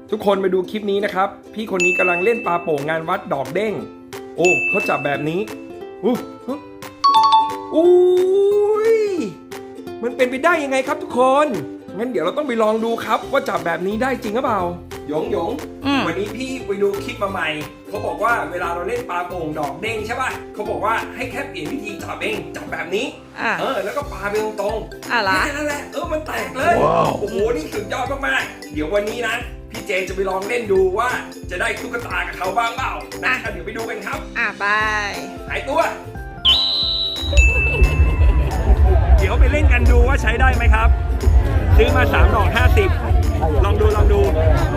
ทุกคนมาดูคลิปนี้นะครับพี่คนนี้กำลังเล่นปลาโป่งงานวัดดอกเด้งโอ้เขาจับแบบนี้อุ้ยมันเป็นไปได้ยังไงครับทุกคนงั้นเดี๋ยวเราต้องไปลองดูครับว่าจับแบบนี้ได้จริงหรือเปล่าหยงวันนี้พี่ไปดูคลิปมาใหม่เขาบอกว่าเวลาเราเล่นปลาโป่งดอกเด้งใช่ป่ะเขาบอกว่าให้แค่เปลี่ยนวิธีจับเองจับแบบนี้แล้วก็ปาไปตรงๆแค่นั้นแหละมันแตกเลยโอ้โหนี่สุดยอดมากๆเดี๋ยววันนี้นะพี่เจจะไปลองเล่นดูว่าจะได้ตุ๊กตากับเขาบ้างเปล่าเดี๋ยวไปดูกันครับบายหายตัวเดี๋ยวไปเล่นกันดูว่าใช้ได้ไหมครับซื้อมา3 ดอก 50ลองดู